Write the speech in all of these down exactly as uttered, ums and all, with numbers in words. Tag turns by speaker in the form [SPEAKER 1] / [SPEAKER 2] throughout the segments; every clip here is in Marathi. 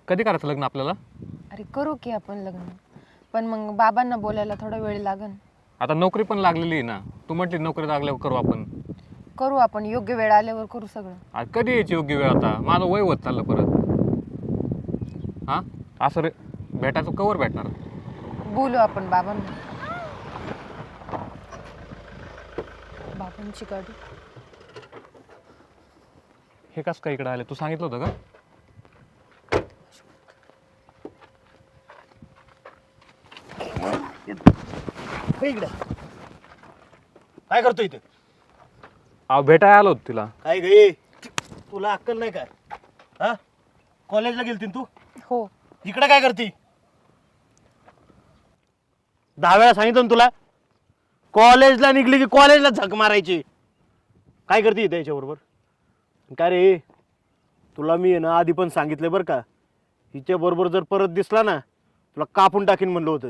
[SPEAKER 1] कधी करायचं लग्न आपल्याला?
[SPEAKER 2] अरे करू की आपण लग्न, पण मग बाबांना बोलायला थोडा वेळ लागन.
[SPEAKER 1] आता नोकरी पण लागलेली आहे ना, तू म्हटली नोकरी लागल्यावर करू आपण.
[SPEAKER 2] करू आपण, योग्य वेळ आल्यावर करू सगळं.
[SPEAKER 1] आज कधी यायची योग्य वेळ? आता माझं वय होत चाललं परत. हां असं रे भेटायचं कवर भेटणार?
[SPEAKER 2] बोलू आपण बाबांना. बाबांची गाडी.
[SPEAKER 1] हे कसं काय इकडे आले? तू सांगितलं होतं का?
[SPEAKER 3] इकडे काय करतो इथे?
[SPEAKER 1] अहो भेटायला आलो होतो तिला.
[SPEAKER 3] काय गे, तुला अक्कल नाही काय? हा, कॉलेजला गेलती तू?
[SPEAKER 2] हो.
[SPEAKER 3] इकडे काय करती? दहा वेळा सांगितलं ना तुला, कॉलेजला निघली की कॉलेजला झक मारायची. काय करते इथे याच्याबरोबर? काय रे, तुला मी आहे ना आधी पण सांगितलं बरं का, हिच्या बरोबर जर परत दिसला ना तुला कापून टाकीन म्हणलं होतं.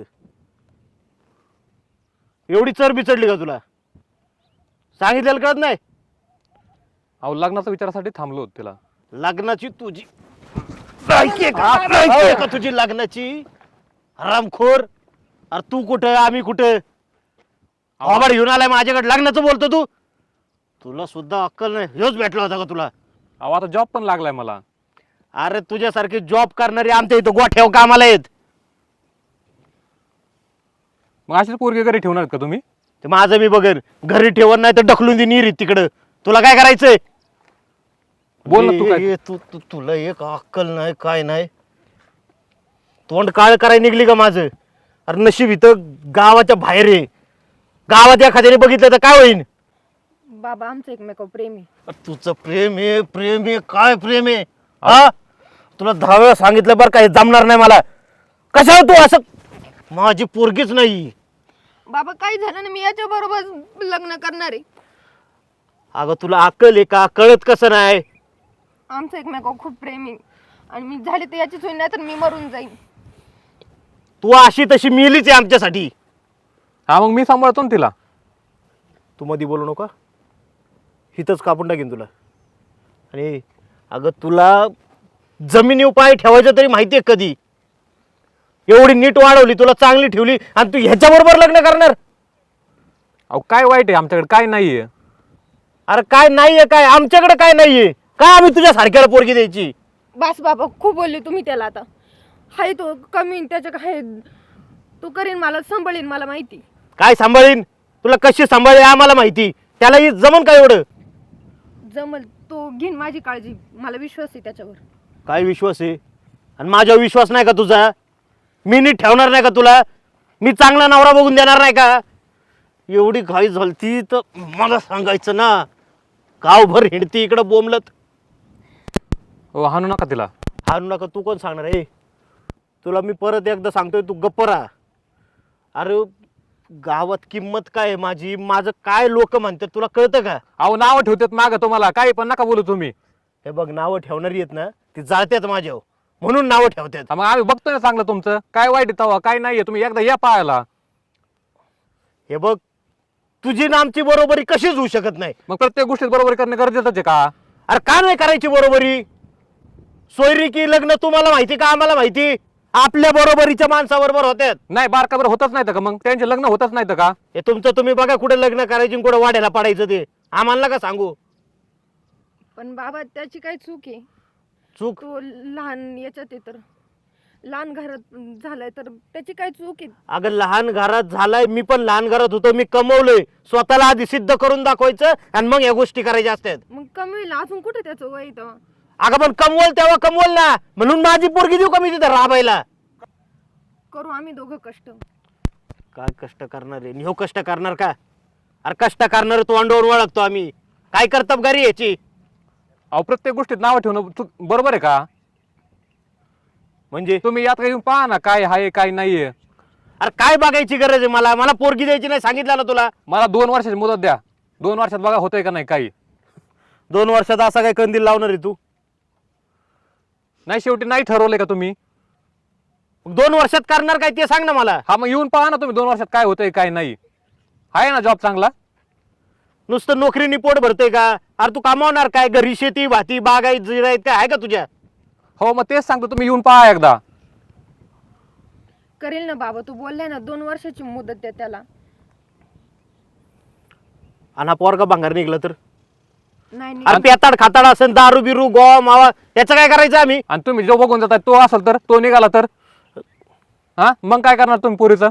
[SPEAKER 3] एवढी चरबी चढली का तुला? सांगितलेलं कळत नाही?
[SPEAKER 1] अहो लग्नाच्या विचारासाठी थांबलो होतो तिला.
[SPEAKER 3] लग्नाची तुझी लायकी आहे का? लायकी आहे का तुझी लग्नाची? हरामखोर. अरे तू कुठं, आम्ही कुठं? आवाड घेऊन आलाय माझ्याकडे, लग्नाचं बोलतो तू? तुला सुद्धा अक्कल नाही. ह्योच भेटला होता का तुला?
[SPEAKER 1] अहो आता जॉब पण लागलाय मला.
[SPEAKER 3] अरे तुझ्यासारखे जॉब करणारे आमच्या इथं गोठ्याव कामाला आहेत.
[SPEAKER 1] मग अशीच पोरगी घरी ठेवणार का तुम्ही?
[SPEAKER 3] ते माझं मी बघेन. घरी ठेवत नाही तर ढकलून दे निरीत तिकडं. तुला काय करायचंय?
[SPEAKER 1] बोल ना तू
[SPEAKER 3] ये-
[SPEAKER 1] काय.
[SPEAKER 3] ये- तू तू- तुला एक अक्कल नाही, काय नाही. तोंड काळ करायला निघली का माझं? अरे नशीब इथं गावाच्या बाहेर आहे. गावात एखाद्याने बघितलं तर काय होईल?
[SPEAKER 2] बाबा आमचं एकमेकावर प्रेम आहे.
[SPEAKER 3] अरे तुझं प्रेम आहे, प्रेम आहे, काय प्रेम आहे? हा, तुला दहा वेळा सांगितलं बरं का, हे जमणार नाही मला. कशाला तू असं? माझी पोरगीच नाही.
[SPEAKER 2] बाबा काही झालं ना, मी याच्या बरोबर लग्न करणार आहे.
[SPEAKER 3] अगं तुला अक्कल आहे का? कळत कसं नाही?
[SPEAKER 2] आमचं एकमेकावर खूप प्रेम आहे आणि मी झाले तर याचीच होईल, नाही तर मी मरून जाईन.
[SPEAKER 3] तू अशी तशी मिलीच आहे आमच्यासाठी.
[SPEAKER 1] हा मग मी सांभाळतो ना तिला.
[SPEAKER 3] तू मध्ये बोलू नका, हिथंच कापून टाकीन तुला. आणि अगं तुला जमिनीवर पाय ठेवायचं तरी माहिती आहे कधी? एवढी नीट वाढवली, तुला चांगली ठेवली, आणि तू ह्याच्याबरोबर लग्न करणार?
[SPEAKER 1] अहो काय वाईट आहे आमच्याकडे? काय नाहीये.
[SPEAKER 3] अरे काय नाहीये काय? आमच्याकडे काय नाहीये काय? आम्ही तुझ्या सारख्याला पोरगी द्यायची?
[SPEAKER 2] बस बाबा, खूप बोलले तुम्ही त्याला. आता हाय तो कमी, त्याच्या काय तो करीन, मला सांभाळीन, मला माहिती.
[SPEAKER 3] काय सांभाळीन? तुला कशी सांभाळी आम्हाला माहिती. त्याला ही जमन काय एवढं?
[SPEAKER 2] जमल, तो घेईन माझी काळजी, मला विश्वास आहे त्याच्यावर.
[SPEAKER 3] काय विश्वास आहे? आणि माझ्यावर विश्वास नाही का तुझा? मी नीट ठेवणार नाही का तुला? मी चांगला नवरा बघून देणार नाही का? एवढी घाई झालती तर मला सांगायचं ना. गावभर हिंडती इकडं बोंबलत.
[SPEAKER 1] हो हाणू नका तिला.
[SPEAKER 3] हारू नका तू कोण सांगणार आहे? तुला मी परत एकदा सांगतोय, तू गप्प राहा. अरे गावात किंमत काय आहे माझी? माझं काय लोक म्हणतात तुला कळतं का?
[SPEAKER 1] अहो नावं ठेवतात मागं तुम्हाला, काही पण नका बोलू तुम्ही.
[SPEAKER 3] हे बघ, नावं ठेवणारी आहेत ना, ती जाळतात माझ्यावर, म्हणून नावं ठेवतात.
[SPEAKER 1] हा, मग आम्ही बघतोय ना चांगलं तुमचं. काय वाईट आहे तेव्हा? काय नाहीये. तुम्ही एकदा या पाहायला.
[SPEAKER 3] हे बघ, तुझी ना आमची बरोबरी कशीच होऊ शकत नाही.
[SPEAKER 1] मग प्रत्येक गोष्टीत बरोबर करणं गरजेचंच आहे का?
[SPEAKER 3] अरे का नाही करायची बरोबरी? सोयरी की लग्न तुम्हाला माहिती का आम्हाला माहिती? आपल्या बरोबरीच्या माणसाबरोबर होत्यात.
[SPEAKER 1] नाही बारकाबर होतच नाही का? मग त्यांचे लग्न होतच नाही का?
[SPEAKER 3] हे तुमचं तुम्ही बघा, कुठे लग्न करायची कुठे वाढायला पडायचं ते आम्हाला का सांगू?
[SPEAKER 2] पण बाबा त्याची काय चूक आहे?
[SPEAKER 3] चूक?
[SPEAKER 2] तो लहान याच्यात आहे, तर लहान घरात झालाय, तर त्याची काय चूक आहे?
[SPEAKER 3] अगं लहान घरात झालाय, मी पण लहान घरात होतो. मी कमवलंय, स्वतःला आधी सिद्ध करून दाखवायचं आणि मग या गोष्टी करायच्या असतात.
[SPEAKER 2] मग कमी होईल अजून, कुठे त्याचं वय तेव्हा?
[SPEAKER 3] अगं पण कमवल तेव्हा कमवल ना, म्हणून माझी पोरगी देऊ का मी तिथं राबायला?
[SPEAKER 2] करू आम्ही दोघं कष्ट.
[SPEAKER 3] काय कष्ट करणार आहे? ह्यो कष्ट करणार का? अरे कष्ट करणार तोंडावर ओळखतो आम्ही. काय कर्तबगारी याची?
[SPEAKER 1] अहो प्रत्येक गोष्टीत नावं ठेवणं चूक- बरोबर आहे का?
[SPEAKER 3] म्हणजे
[SPEAKER 1] तुम्ही यात येऊन पहा ना काय आहे काय नाहीये.
[SPEAKER 3] अरे काय बघायची गरज आहे? मला मला पोरगी द्यायची नाही सांगितलं ना तुला.
[SPEAKER 1] मला दोन वर्षाची मुदत द्या. दोन वर्षात बघा होतंय का नाही काही.
[SPEAKER 3] दोन वर्षात असा काय कंदील लावणार आहे तू?
[SPEAKER 1] नाही शेवटी नाही ठरवलंय का तुम्ही?
[SPEAKER 3] दोन वर्षात करणार काय ते सांग ना मला.
[SPEAKER 1] हा मग येऊन पहा ना तुम्ही दोन वर्षात काय होतंय काय नाही. आहे ना जॉब चांगला?
[SPEAKER 3] नुसतं नोकरीनी पोट भरतोय का? अरे तू कमावणार काय? घरी शेती भाती बागायत जिरायत काय आहे का तुझ्या?
[SPEAKER 1] हो मग तेच सांगतो, तुम्ही येऊन पहा एकदा.
[SPEAKER 2] करेल ना बाबा, तू बोललाय ना दोन वर्षाची मुदत द्या त्याला.
[SPEAKER 3] आणि हा पोरगा भांगार निघला तर?
[SPEAKER 2] नाही नाही.
[SPEAKER 3] अरे पेताड खाताड असेल, दारू बिरू गोवा मावा, त्याचं काय करायचं आम्ही?
[SPEAKER 1] आणि तुम्ही जो बघून जाताय तो असेल तर, तो निघाला तर हा मग काय करणार तुम्ही पोरीचं?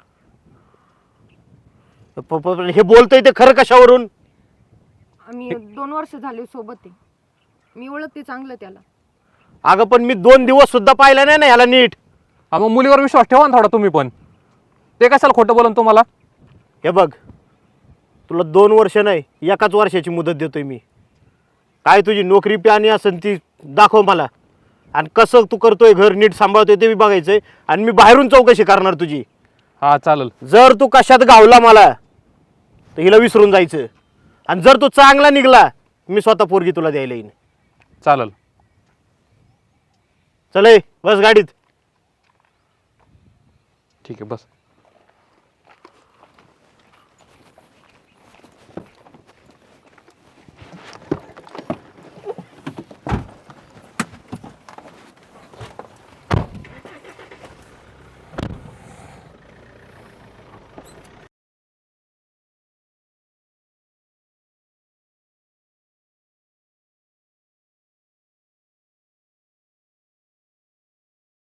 [SPEAKER 3] प- प- हे बोलतोय ते खरं कशावरून?
[SPEAKER 2] आम्ही दोन वर्ष झाले सोबत आहे, मी ओळखते चांगलं त्याला.
[SPEAKER 3] अगं पण मी दोन दिवस सुद्धा पाहिलं नाही ना ह्याला नीट.
[SPEAKER 1] हा मग मुलीवर विश्वास ठेवा ना थोडा तुम्ही पण. ते कशाला खोटं बोलन तुम्हाला?
[SPEAKER 3] हे बघ, तुला दोन वर्ष नाही एकाच वर्षाची मुदत देतोय मी. काय तुझी नोकरी प्यानी असेल ती दाखव मला, आणि कसं तू करतोय घर नीट सांभाळतोय ते बी बघायचंय, आणि मी बाहेरून चौकशी करणार तुझी.
[SPEAKER 1] हा चालेल.
[SPEAKER 3] जर तू कशात गावला मला तर हिला विसरून जायचं, आणि जर तू चांगला निघला मी स्वतः पोरगी तुला द्यायला येईन.
[SPEAKER 1] चालेल.
[SPEAKER 3] चल ए, बस गाडीत.
[SPEAKER 1] ठीक आहे बस.